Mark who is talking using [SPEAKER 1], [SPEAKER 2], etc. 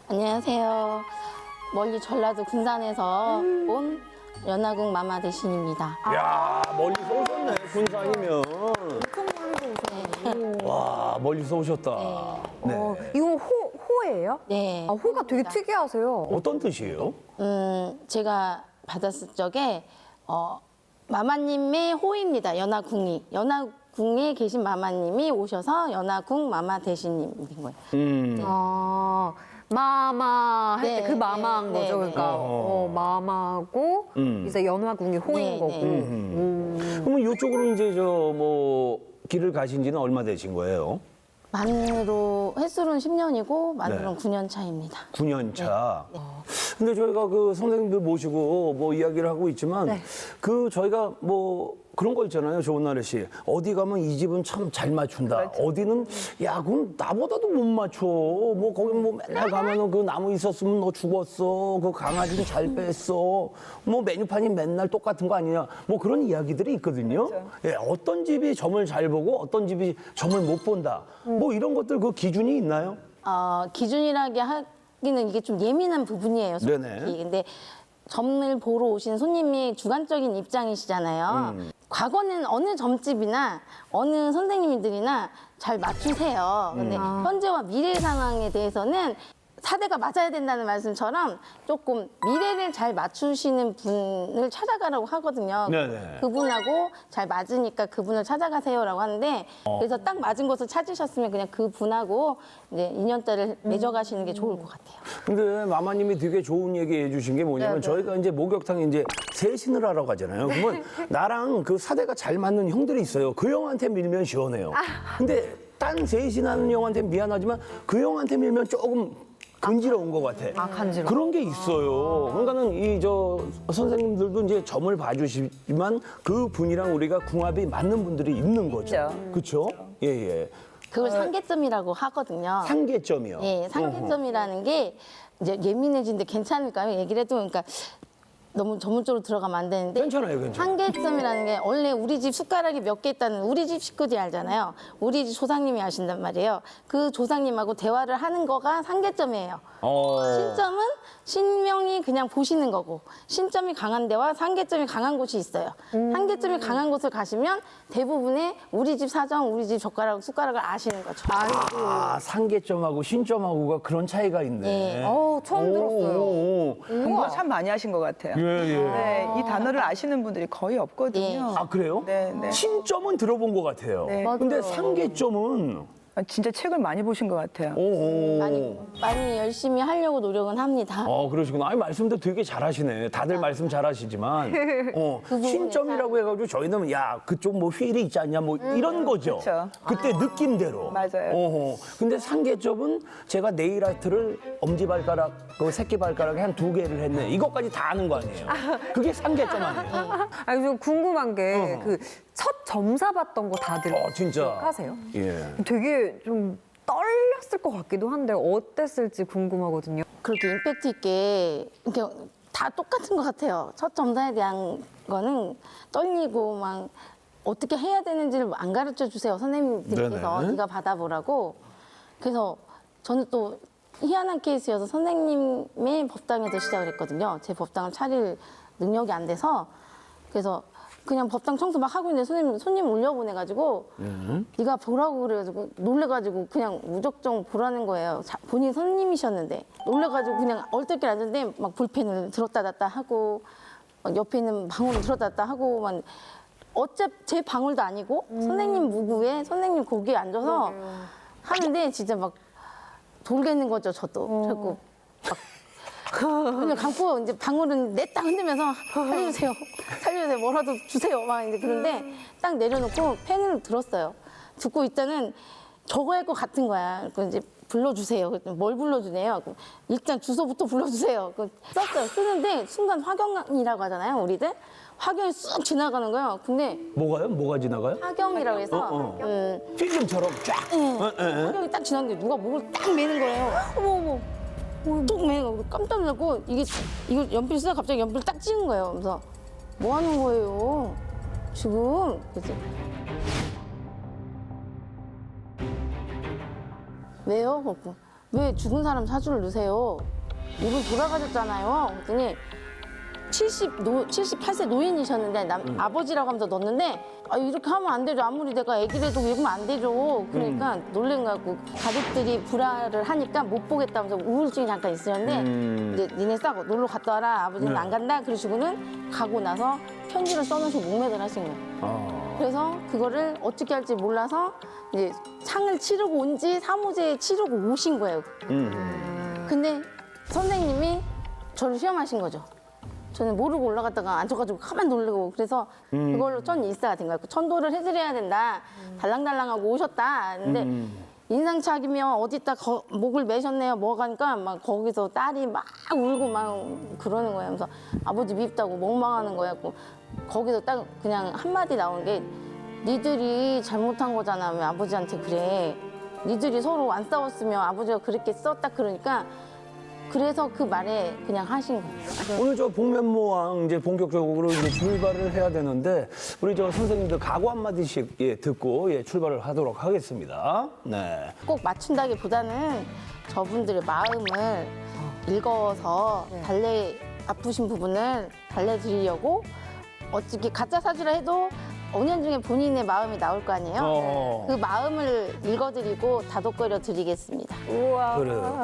[SPEAKER 1] 안녕하세요. 멀리 전라도 군산에서 온 연화궁 마마 대신입니다.
[SPEAKER 2] 야 멀리서 오셨네, 군산이면. 와, 멀리서 오셨다. 네.
[SPEAKER 3] 이거 호예요?
[SPEAKER 1] 네.
[SPEAKER 3] 아, 호가 되게 특이하세요.
[SPEAKER 2] 어떤 뜻이에요?
[SPEAKER 1] 제가 받았을 적에 마마님의 호입니다. 연화궁이. 연화궁에 계신 마마님이 오셔서 연화궁 마마 대신님인 거예요.
[SPEAKER 3] 아, 마마 할 때
[SPEAKER 1] 네,
[SPEAKER 3] 그 마마인
[SPEAKER 1] 네,
[SPEAKER 3] 거죠.
[SPEAKER 1] 네,
[SPEAKER 3] 그러니까 마마고 이제 연화궁이 호인
[SPEAKER 1] 네,
[SPEAKER 3] 거고.
[SPEAKER 1] 네.
[SPEAKER 2] 그러면 이쪽으로 이제 길을 가신 지는 얼마 되신 거예요?
[SPEAKER 1] 만으로 횟수로는 10년이고 만으로는
[SPEAKER 2] 네.
[SPEAKER 1] 9년 차입니다.
[SPEAKER 2] 9년 차. 근데 저희가 그 선생님들 모시고 이야기를 하고 있지만
[SPEAKER 3] 네.
[SPEAKER 2] 저희가 그런 거 있잖아요, 조은나래 씨. 어디 가면 이 집은 참 잘 맞춘다.
[SPEAKER 3] 그렇죠.
[SPEAKER 2] 어디는 야, 그럼 나보다도 못 맞춰. 거기 맨날 가면은 그 나무 있었으면 너 죽었어. 그 강아지는 잘 뺐어. 메뉴판이 맨날 똑같은 거 아니냐. 그런 이야기들이 있거든요.
[SPEAKER 3] 그렇죠.
[SPEAKER 2] 예, 어떤 집이 점을 잘 보고 어떤 집이 점을 못 본다. 이런 것들 그 기준이 있나요?
[SPEAKER 1] 기준이라게 하기는 이게 좀 예민한 부분이에요. 솔직히.
[SPEAKER 2] 네네.
[SPEAKER 1] 근데 점을 보러 오신 손님이 주관적인 입장이시잖아요. 과거는 어느 점집이나 어느 선생님들이나 잘 맞추세요. 근데 현재와 미래 상황에 대해서는 사대가 맞아야 된다는 말씀처럼 조금 미래를 잘 맞추시는 분을 찾아가라고 하거든요.
[SPEAKER 2] 네네.
[SPEAKER 1] 그분하고 잘 맞으니까 그분을 찾아가세요라고 하는데 그래서 딱 맞은 곳을 찾으셨으면 그냥 그분하고 이제 인연자를 맺어가시는 게 좋을 것 같아요.
[SPEAKER 2] 근데 마마님이 되게 좋은 얘기 해주신 게 뭐냐면 저희가 이제 목욕탕에 이제 세신을 하러 가잖아요. 그러면 나랑 그 사대가 잘 맞는 형들이 있어요. 그 형한테 밀면 시원해요. 근데 딴 세신하는 형한테 미안하지만 그 형한테 밀면 조금 간지러운 것 같아.
[SPEAKER 3] 간지러워.
[SPEAKER 2] 그런 게 있어요. 그러니까는 선생님들도 이제 점을 봐주시지만 그 분이랑 우리가 궁합이 맞는 분들이 있는 거죠. 그렇죠? 예, 예.
[SPEAKER 1] 그걸 상계점이라고 하거든요.
[SPEAKER 2] 상계점이요.
[SPEAKER 1] 예, 상계점이라는 게 이제 예민해지는데 괜찮을까요? 얘기를 해도 그러니까 너무 전문적으로 들어가면 안 되는데
[SPEAKER 2] 괜찮아요, 괜찮아요.
[SPEAKER 1] 상계점이라는 게 원래 우리 집 숟가락이 몇 개 있다는 우리 집 식구들이 알잖아요. 우리 집 조상님이 아신단 말이에요. 그 조상님하고 대화를 하는 거가 상계점이에요. 신점은 신명이 그냥 보시는 거고 신점이 강한 데와 상계점이 강한 곳이 있어요. 상계점이 강한 곳을 가시면 대부분의 우리 집 사정, 우리 집 숟가락을 아시는 거죠.
[SPEAKER 2] 상계점하고 신점하고가 그런 차이가 있네.
[SPEAKER 1] 예.
[SPEAKER 3] 처음 들었어요.
[SPEAKER 4] 공부 참 많이 하신 것 같아요.
[SPEAKER 2] 예, 예.
[SPEAKER 4] 네, 이 단어를 아시는 분들이 거의 없거든요.
[SPEAKER 2] 아, 그래요?
[SPEAKER 4] 네, 네.
[SPEAKER 2] 신점은 들어본 것 같아요.
[SPEAKER 4] 네.
[SPEAKER 2] 근데 상계점은
[SPEAKER 4] 진짜 책을 많이 보신 것 같아요.
[SPEAKER 1] 많이 열심히 하려고 노력은 합니다.
[SPEAKER 2] 그러시구나. 아니, 말씀도 되게 잘하시네. 다들 말씀 잘하시지만.
[SPEAKER 1] 부분에
[SPEAKER 2] 신점이라고 해가지고 저희는 야, 그쪽 휠이 있지 않냐, 이런 거죠.
[SPEAKER 4] 그쵸.
[SPEAKER 2] 그때 느낌대로.
[SPEAKER 4] 맞아요.
[SPEAKER 2] 근데 상계점은 제가 네일 아트를 엄지발가락, 그 새끼발가락에 한 2개를 했네. 이것까지 다 아는 거 아니에요. 그게 상계점 아니에요.
[SPEAKER 3] 아니, 좀 궁금한 게 첫 점사 봤던 거 다들
[SPEAKER 2] 진짜.
[SPEAKER 3] 하세요?
[SPEAKER 2] 예.
[SPEAKER 3] 되게 좀 떨렸을 것 같기도 한데 어땠을지 궁금하거든요.
[SPEAKER 1] 그렇게 임팩트 있게 이렇게 다 똑같은 것 같아요. 첫 점사에 대한 거는 떨리고 막 어떻게 해야 되는지를 안 가르쳐 주세요. 선생님들께서
[SPEAKER 2] 네네.
[SPEAKER 1] 네가 받아보라고. 그래서 저는 또 희한한 케이스여서 선생님의 법당에서 시작을 했거든요. 제 법당을 차릴 능력이 안 돼서 그래서 그냥 법당 청소 막 하고 있는데 손님 올려보내가지고 네가 보라고 그래가지고 놀래가지고 그냥 무작정 보라는 거예요. 본인 손님이셨는데 놀래가지고 그냥 얼떨결에 앉았는데 막 볼펜을 들었다 놨다 하고 막 옆에 있는 방울을 들었다 놨다 하고 막 어차피 제 방울도 아니고 선생님 무구에 선생님 거기에 앉아서 하는데 진짜 막 돌겠는 거죠. 저도 자꾸 그냥 감고 이제 방울은 냈다 흔들면서 살려주세요, 뭐라도 주세요, 막 이제 그런데 딱 내려놓고 펜을 들었어요. 듣고 있자는 적어야 할 것 같은 거야. 그 이제 불러주세요. 그랬더니 뭘 불러주네요. 일단 주소부터 불러주세요. 썼어요. 쓰는데 순간 화경이라고 하잖아요, 우리들. 화경이 쑥 지나가는 거예요. 근데
[SPEAKER 2] 뭐가요? 뭐가 지나가요?
[SPEAKER 1] 화경이라고 해서
[SPEAKER 2] 필름처럼 쫙.
[SPEAKER 1] 화경이 딱 지났는데 누가 목을 딱 매는 거예요. 어머. 뚝 매고 깜짝 놀랐고 이거 연필 쓰다 갑자기 연필 딱 찍은 거예요. 그래서 뭐 하는 거예요? 지금 그래서 왜요? 그랬고 왜 죽은 사람 사주를 넣으세요? 이분 돌아가셨잖아요. 그랬더니 78세 노인이셨는데 아버지라고 하면서 넣었는데 아, 이렇게 하면 안 되죠. 아무리 내가 애기라도 읽으면 안 되죠. 그러니까 놀란 거 같고 가족들이 불화를 하니까 못 보겠다면서 우울증이 잠깐 있었는데 이제 니네 싸고 놀러 갔다 와라. 아버지는
[SPEAKER 2] 네.
[SPEAKER 1] 안 간다. 그러시고는 가고 나서 편지를 써놓으시고 목매달 하신 거예요. 그래서 그거를 어떻게 할지 몰라서 이제 상을 치르고 온지 사무제에 치르고 오신 거예요. 근데 선생님이 저를 시험하신 거죠. 저는 모르고 올라갔다가 앉아가지고 가만 놀래고 그래서 그걸로 전 일사가 된 거예요. 천도를 해드려야 된다. 달랑달랑하고 오셨다. 근데 인상착이면 어디다 목을 매셨네요. 뭐 가니까 막 거기서 딸이 막 울고 막 그러는 거예요. 그래서 아버지 밉다고 멍망하는 거예요. 거기서 딱 그냥 한마디 나온 게 니들이 잘못한 거잖아. 왜 아버지한테 그래. 니들이 서로 안 싸웠으면 아버지가 그렇게 썼다 그러니까 그래서 그 말에 그냥 하신 거예요.
[SPEAKER 2] 오늘 저 복면모왕 이제 본격적으로 이제 출발을 해야 되는데 우리 저 선생님들 각오 한마디씩 예, 듣고 예, 출발을 하도록 하겠습니다. 네.
[SPEAKER 1] 꼭 맞춘다기보다는 저분들의 마음을 읽어서 아프신 부분을 달래드리려고 어떻게 가짜 사주라 해도 5년 중에 본인의 마음이 나올 거 아니에요?
[SPEAKER 2] 어.
[SPEAKER 1] 그 마음을 읽어드리고 다독거려 드리겠습니다.
[SPEAKER 3] 우와.
[SPEAKER 2] 그래요.